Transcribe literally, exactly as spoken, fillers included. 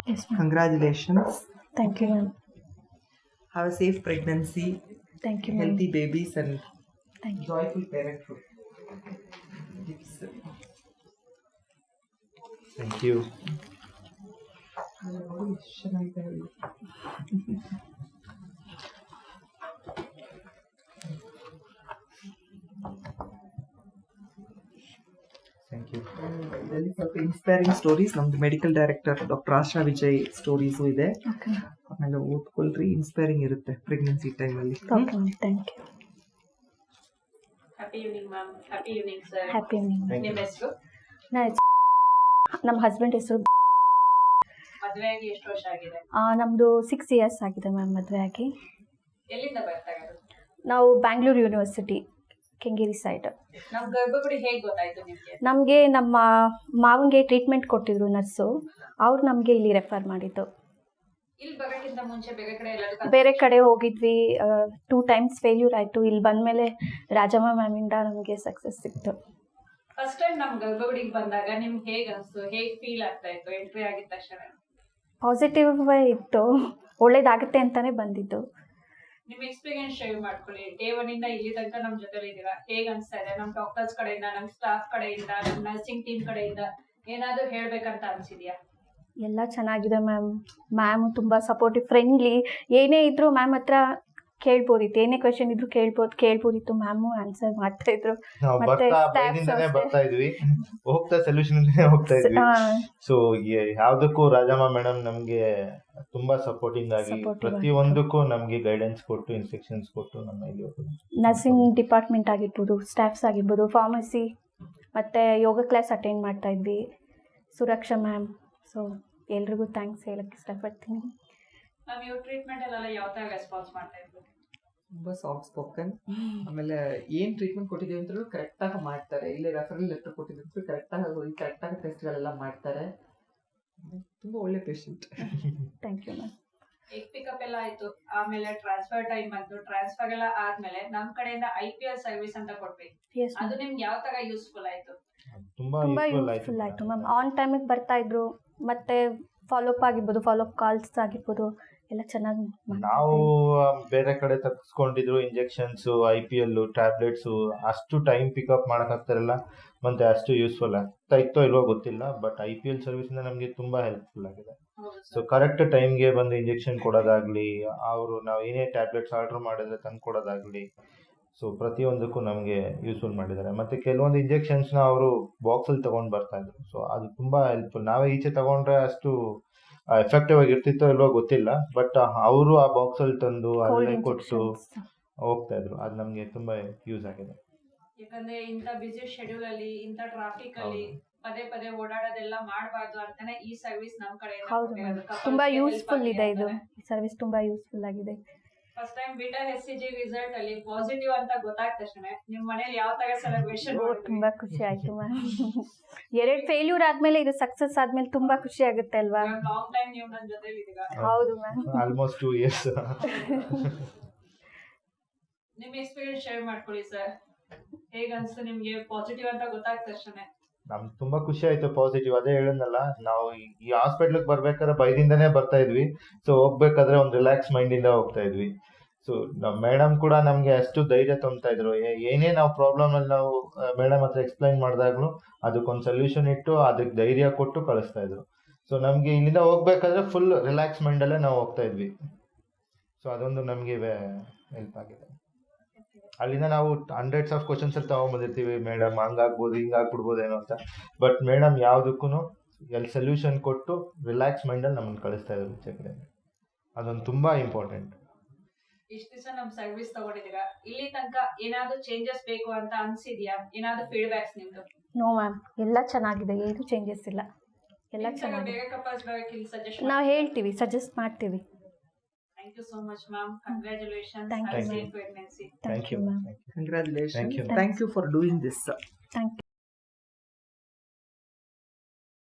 Yes, ma'am. Congratulations. Thank you, ma'am. Have a safe pregnancy, Thank you, ma'am. healthy babies, and Thank you. joyful parenthood. It's, uh, Thank you. ನೋಡಿ, ಎಷ್ಟ್ ಚೆನ್ನಾಗಿದೆ ಹೇಳಿ. Thank you. ಇದರಲ್ಲಿ ಸ್ವಲ್ಪ inspiring stories ನಮ್ದು medical director doctor Asha Vijay stories ಇದೆ. Okay. ಆಮೇಲೆ ಓದ್ಕೊಳ್ರಿ, ಇನ್ಸ್ಪೈರಿಂಗ್ ಇರುತ್ತೆ ಪ್ರೆಗ್ನೆನ್ಸಿ ಟೈಮಲ್ಲಿ. Okay, ma'am. Thank you. Happy evening ma'am. Happy evening sir. Happy evening. Thank ನಿಮ್ಮ you. ಹೆಸರು? ನಾ ನಮ್ಮ ಹಸ್ಬೆಂಡ್ ಹೆಸರು ಮದುವೆ ಆಗಿ ಎಷ್ಟು ವರ್ಷ ಆಗಿದೆ? ಆ, ನಮ್ದು ಸಿಕ್ಸ್ ಇಯರ್ಸ್ ಆಗಿದೆ ಮ್ಯಾಮ್ ಮದುವೆ ಆಗಿ. ಎಲ್ಲಿಂದ ಬರ್ತಾ ಇರೋದು? ನಾವು ಬ್ಯಾಂಗ್ಳೂರು ಯೂನಿವರ್ಸಿಟಿ ಕೆಂಗೇರಿ ಸೈಡ್. ನಮ್ ಗರ್ಭಗುಡಿ ಹೇಗ್ ಗೊತ್ತಾಯ್ತು ನಿಮ್ಗೆ? ನಮಗೆ ನಮ್ಮ ಮಾವನಿಗೆ ಟ್ರೀಟ್ಮೆಂಟ್ ಕೊಟ್ಟಿದ್ರು ನರ್ಸು, ಅವ್ರು ನಮಗೆ ಇಲ್ಲಿ ರೆಫರ್ ಮಾಡಿದ್ದು. ಇಲ್ಲಿ ಬರೋಕ್ಕಿಂತ ಮುಂಚೆ ಬೇರೆ ಕಡೆ ಎಲ್ಲದಕ್ಕೂ ಬೇರೆ ಕಡೆ ಹೋಗಿದ್ವಿ, ಟೂ ಟೈಮ್ಸ್ ಫೇಲ್ಯೂರ್ ಆಯಿತು. ಇಲ್ಲಿ ಬಂದಮೇಲೆ ರಾಜಮ್ಮ ಮ್ಯಾಮಿಂದ ನಮಗೆ ಸಕ್ಸಸ್ ಸಿಕ್ತು. ಫಸ್ಟ್ ಟೈಮ್ ನಮ್ ಗರ್ಭಗುಡಿಗೆ ಬಂದಾಗ ನಿಮ್ಗೆ ಹೇಗ್ ಅನ್ಸ್ತು? ಹೇಗ್ ಫೀಲ್ ಆಗ್ತಾ ಇತ್ತು ಎಂಟ್ರಿ ಆಗಿದ ತಕ್ಷಣ? ಪಾಸಿಟಿವ್ ಇತ್ತು, ಒಳ್ಳೇದಾಗುತ್ತೆ ಅಂತಲೇ ಬಂದಿದ್ದು. ನಿಮ್ ಎಕ್ಸ್ಪೀರಿಯನ್ಸ್ ಶೇರ್ ಮಾಡ್ಕೊಳ್ಳಿ. ಡೇ ಒನ್ ಇಂದ ಇಲ್ಲಿ ತನಕ ನಮ್ ಜೊತೆ ಇದ್ದೀರಾ, ಹೇಗ್ ಅನ್ಸ್ತಾ ಇದೆ? ನಮ್ ಡಾಕ್ಟರ್ಸ್ ಕಡೆಯಿಂದ, ನಮ್ ಸ್ಟಾಫ್ ಕಡೆಯಿಂದ, ನಮ್ ನರ್ಸಿಂಗ್ ಟೀಮ್ ಕಡೆಯಿಂದ ಏನಾದ್ರು ಹೇಳ್ಬೇಕಂತ ಅನ್ಸಿದ್ಯಾ? ಎಲ್ಲ ಚೆನ್ನಾಗಿದೆ ಮ್ಯಾಮ್. ಮ್ಯಾಮ್ ತುಂಬ ಸಪೋರ್ಟಿವ್, ಫ್ರೆಂಡ್ಲಿ. ಏನೇ ಇದ್ದರೂ ಮ್ಯಾಮ್ ಹತ್ರ ಕೇಳ್ಬೋದಿತ್ತು, ಏನೇ ಕ್ವೆಶನ್ ಇದ್ರು ಕೇಳ್ಬೋದು ಕೇಳ್ಬೋದಿತ್ತು ಮ್ಯಾಮು ಆನ್ಸರ್ ಮಾಡ್ತಾ ಇದ್ರು. ನಾವು ಮತ್ತೆ ಬರ್ತಾ staffs ಭಯದಿಂದನೇ ಅಷ್ಟೇ. ಬರ್ತಾ ಇದ್ವಿ, ಹೋಗ್ತಾ ಸೊಲ್ಯೂಷನ್ ಹೋಗ್ತಾ ಇದ್ವಿ. ಸೊ ಯಾವ್ದಕ್ಕೂ ರಾಜಮ್ಮ ಮೇಡಮ್ ನಮ್ಗೆ ತುಂಬಾ ಸಪೋರ್ಟಿಂಗ್ ಆಗಿ Supportive ಪ್ರತಿಯೊಂದಕ್ಕೂ ನಮ್ಗೆ ಗೈಡೆನ್ಸ್ ಕೊಟ್ಟು ಇನ್ಸ್ಟ್ರಕ್ಷನ್ಸ್ ಕೊಟ್ಟು ನಮ್ಮ ಇಲ್ಲಿ ನರ್ಸಿಂಗ್ ಡಿಪಾರ್ಟ್ಮೆಂಟ್ ಆಗಿರ್ಬೋದು, ಸ್ಟಾಫ್ಸ್ ಆಗಿರ್ಬೋದು, ಫಾರ್ಮಸಿ ಮತ್ತು ಯೋಗ ಕ್ಲಾಸ್ ಅಟೆಂಡ್ ಮಾಡ್ತಾ ಇದ್ವಿ. ಸುರಕ್ಷಾ ಮ್ಯಾಮ್, ಸೊ ಎಲ್ರಿಗೂ ಥ್ಯಾಂಕ್ಸ್ ಹೇಳಕ್ಕೆ ಇಷ್ಟಪಡ್ತೀನಿ. ಮ್ಯಾಮ್ ಇವ್ರ ಟ್ರೀಟ್ಮೆಂಟ್ ಅಲ್ಲೆಲ್ಲ ಯಾವ ತರ ರೆಸ್ಪಾನ್ಸ್ ಮಾಡ್ತಾ ಇದ್ರು? ತುಂಬ ಸಾಫ್ಟ್ ಸ್ಪೋಕನ್. ಆಮೇಲೆ ಏನು ಟ್ರೀಟ್ಮೆಂಟ್ ಕೊಟ್ಟಿದ್ದೀವಿ ಅಂತಲೂ ಕರೆಕ್ಟಾಗಿ ಮಾಡ್ತಾರೆ. ಇಲ್ಲಿ ರೆಫರಲ್ ಲೆಟರ್ ಕೊಟ್ಟಿದ್ದು ಕರೆಕ್ಟಾಗಿ ಹೋಗಿ ಕರೆಕ್ಟಾಗಿ ಟೆಸ್ಟ್ಗಳೆಲ್ಲ ಮಾಡ್ತಾರೆ. ತುಂಬ ಒಳ್ಳೆ patient. Thank you ma'am. Egg pickup ಎಲ್ಲ ಆಯ್ತು, ಆಮೇಲೆ ಟ್ರಾನ್ಸ್ಫರ್ ಟೈಮ್ ಬಂತು. ಟ್ರಾನ್ಸ್ಫರ್ ಎಲ್ಲ ಆದ್ಮೇಲೆ ನಮ್ ಕಡೆಯಿಂದ ಐ ಪಿ ಎಲ್ ಸರ್ವಿಸ್ ಅಂತ ಕೊಟ್ವಿ. ಎಸ್ ಅದು ನಿಮ್ಗೆ ಯಾವ ತರ ಯೂಸ್ಫುಲ್ ಆಯ್ತು? ತುಂಬಾ ತುಂಬ ಯೂಸ್ಫುಲ್ ಯೂಸ್ಫುಲ್ ಆಯಿತು ಆಯ್ತು ಮ್ಯಾಮ್. ಆನ್ ಟೈಮಿಗೆ ಬರ್ತಾ ಇದ್ರು, ಮತ್ತು ಫಾಲೋಅಪ್ ಆಗಿರ್ಬೋದು, ಫಾಲೋಅಪ್ ಕಾಲ್ಸ್ ಆಗಿರ್ಬೋದು, ಎಲ್ಲ ಚೆನ್ನಾಗಿ ನಾವು ಬೇರೆ ಕಡೆ ತಗ್ಸ್ಕೊಂಡಿದ್ರು injections, I P L tablets, ಅಷ್ಟು ಟೈಮ್ ಪಿಕಪ್ ಮಾಡಕ್ ಆಗ್ತಾರಲ್ಲ, ಮತ್ತೆ ಅಷ್ಟು ಯೂಸ್ಫುಲ್ ಆಗ್ತಾ ಇತ್ತೋ ಇಲ್ವೋ ಗೊತ್ತಿಲ್ಲ. But I P L service ಇಂದ ನಮ್ಗೆ ತುಂಬಾ ಹೆಲ್ಪ್ಫುಲ್ ಆಗಿದೆ. ಹೌದು ಸೊ ಸರ್. ಕರೆಕ್ಟ್ ಟೈಮ್ಗೆ ಬಂದು ಇಂಜೆಕ್ಷನ್ ಕೊಡೋದಾಗ್ಲಿ, ಅವರು ನಾವು ಏನೇ ಟ್ಯಾಬ್ಲೆಟ್ಸ್ ಆರ್ಡರ್ ಮಾಡಿದ್ರೆ ತಂದು ಕೊಡೋದಾಗ್ಲಿ, ಸೊ ಪ್ರತಿಯೊಂದಕ್ಕೂ ನಮಗೆ ಯೂಸ್ಫುಲ್ ಮಾಡಿದ್ದಾರೆ. ಮತ್ತೆ ಕೆಲವೊಂದು ಇಂಜೆಕ್ಷನ್ಸ್ನ ಅವರು ಬಾಕ್ಸಲ್ಲಿ ತಗೊಂಡು ಬರ್ತಾ ಇದ್ರು. ಸೊ ಅದು ತುಂಬಾ ಹೆಲ್ಪ್ಫುಲ್. ನಾವೇ ಈಚೆ ತಗೊಂಡ್ರೆ ಅಷ್ಟು ಎಫೆಕ್ಟಿವ್ ಆಗಿ ಇರ್ತಿತ್ತೋ ಇಲ್ವೋ ಗೊತ್ತಿಲ್ಲ, ಬಟ್ ಅವರು ಆ ಬಾಕ್ಸಲ್ಲಿ ತಂದು ಅಲ್ಲೇ ಕೊಟ್ಟು ಹೋಗ್ತಾ ಇದ್ರು. ಅದು ನಮಗೆ ತುಂಬಾ ಯೂಸ್ ಆಗಿದೆ. ಯಾಕಂದ್ರೆ ಇಂಥ ಬಿಸಿ ಶೆಡ್ಯೂಲ್ ಅಲ್ಲಿ, ಇಂಥ ಟ್ರಾಫಿಕ್ ಅಲ್ಲಿ ಪದೇ ಪದೇ ಓಡಾಡೋದೆಲ್ಲ ಮಾಡಬಾರ್ದು ಅಂತಾನೆ ಈ ಸರ್ವಿಸ್ ನಮ್ ಕಡೆಯಿಂದ ಹೌದು ಮ್ಯಾಮ್. ತುಂಬ ಯೂಸ್ಫುಲ್ ಇದೆ ಇದು, ಈ ಸರ್ವಿಸ್ ತುಂಬ ಯೂಸ್ಫುಲ್ ಆಗಿದೆ. First time beta S C G result ಅಲ್ಲಿ ಪಾಸಿಟಿವ್ ಅಂತ ಗೊತ್ತಾದ ತಕ್ಷಣ ನಿಮ್ ಮನೇಲಿ ಯಾವ ತರ ಸೆಲೆಬ್ರೇಷನ್? ತುಂಬ ಖುಷಿ ಆಯ್ತು ಮ್ಯಾಮ್. ಎರಡು ಫೇಲ್ಯೂರ್ ಆದ್ಮೇಲೆ ಇದು ಸಕ್ಸಸ್ ಆದ್ಮೇಲೆ ತುಂಬಾ ಖುಷಿ ಆಗುತ್ತೆ ಅಲ್ವಾ? ಲಾಂಗ್ ಟೈಮ್ ನೀವು ನನ್ನ ಜೊತೆ ಇದ್ದೀರಾ. ಹೌದು ಮ್ಯಾಮ್. Almost two years. ನಿಮ್ ಎಕ್ಸ್ಪೀರಿಯನ್ಸ್ ಶೇರ್ ಮಾಡ್ಕೊಳ್ಳಿ ಸರ್. ಹೇಗ ಅನ್ಸ್ತು ನಿಮ್ಗೆ ಪಾಸಿಟಿವ್ ಅಂತ ಗೊತ್ತಾದ ತಕ್ಷಣ? ನಮ್ಗೆ ತುಂಬಾ ಖುಷಿ ಆಯ್ತು ಪಾಸಿಟಿವ್. ಅದೇ ಹೇಳಿದ್ನಲ್ಲ, ನಾವು ಈ- ಈ ಹಾಸ್ಪಿಟ್ಲಿಗೆ ಬರ್ಬೇಕಾದ್ರೆ ಭಯದಿಂದನೇ ಬರ್ತಾ ಇದ್ವಿ. ಸೊ ಹೋಗ್ಬೇಕಾದ್ರೆ ಒಂದು ರಿಲ್ಯಾಕ್ಸ್ ಮೈಂಡ್ ಇಂದ ಹೋಗ್ತಾ ಇದ್ವಿ. ಸೊ ನಮ್ಮ ಮೇಡಮ್ ಕೂಡ ನಮ್ಗೆ ಅಷ್ಟು ಧೈರ್ಯ ತುಂಬ್ತಾ ಇದ್ರು. ಏ- ಏನೇ ನಾವು ಪ್ರಾಬ್ಲಮ್ ಅಲ್ಲಿ ನಾವು ಮೇಡಮ್ ಹತ್ರ ಎಕ್ಸ್ಪ್ಲೈನ್ ಮಾಡಿದಾಗ್ಲೂ ಅದಕ್ಕೊಂದು ಸೊಲ್ಯೂಷನ್ ಇಟ್ಟು ಅದಕ್ಕೆ ಧೈರ್ಯ ಕೊಟ್ಟು ಕಳಿಸ್ತಾ ಇದ್ರು. ಸೊ ನಮ್ಗೆ ಇಲ್ಲಿಂದ ಹೋಗ್ಬೇಕಾದ್ರೆ ಫುಲ್ ರಿಲ್ಯಾಕ್ಸ್ ಮೈಂಡ್ ಅಲ್ಲೇ ನಾವು ಹೋಗ್ತಾ ಇದ್ವಿ. ಸೊ ಅದೊಂದು ನಮ್ಗೆ ಹೆಲ್ಪ್ ಆಗಿದೆ. ಅಲ್ಲಿಂದ ನಾವು ಹಂಡ್ರೆಡ್ಸ್ ಆಫ್ ಕ್ವಶನ್ಸ್ ಅಲ್ಲಿ ತಗೊಂಡ್ಬಂದಿರ್ತೀವಿ, ಮೇಡಮ್ ಹಂಗಾಗ್ಬೋದು ಹಿಂಗಾಗ್ಬಿಡ್ಬೋದು ಏನೋ ಅಂತ. ಬಟ್ ಮೇಡಮ್ ಯಾವ್ದಕ್ಕೂ ಎಲ್ಲಿ ಸೊಲ್ಯೂಷನ್ ಕೊಟ್ಟು ರಿಲ್ಯಾಕ್ಸ್ ಮೈಂಡಲ್ಲಿ ನಮ್ಮನ್ನು ಕಳಿಸ್ತಾ ಇದ್ರು ಈಚೆ ಕಡೆ. ಅದೊಂದು ತುಂಬಾ ಇಂಪಾರ್ಟೆಂಟ್. ಇಷ್ಟು ದಿವಸ ನಮ್ ಸರ್ವಿಸ್ ತಗೊಂಡಿದ್ದೀರಾ, ಇಲ್ಲಿ ತನಕ ಏನಾದ್ರು ಚೇಂಜಸ್ ಬೇಕು ಅಂತ ಅನ್ಸಿದ್ಯಾ? ಏನಾದ್ರು ಫೀಡ್ಬ್ಯಾಕ್ಸ್ ನಿಮ್ದು? ನೋ ಮ್ಯಾಮ್, ಎಲ್ಲ ಚೆನ್ನಾಗಿದೆ, ಏನು ಚೇಂಜಸ್ ಇಲ್ಲ, ಎಲ್ಲ ನಿಮ್ ತರ ಚೆನ್ನಾಗಿದೆ. ಬೇರೆ ಕಪಲ್ಸ್ ಬರೋಕೆ ಇಲ್ಲಿ ಸಜೆಷನ್ ನಾವು ಹೇಳ್ತೀವಿ, ಸಜೆಸ್ಟ್ ಮಾಡ್ತೀವಿ. Thank you so much ma'am. Congratulations. Thank you. Safe pregnancy. Thank you ma'am. Congratulations. Thank you. Thank you for doing this. Thank you.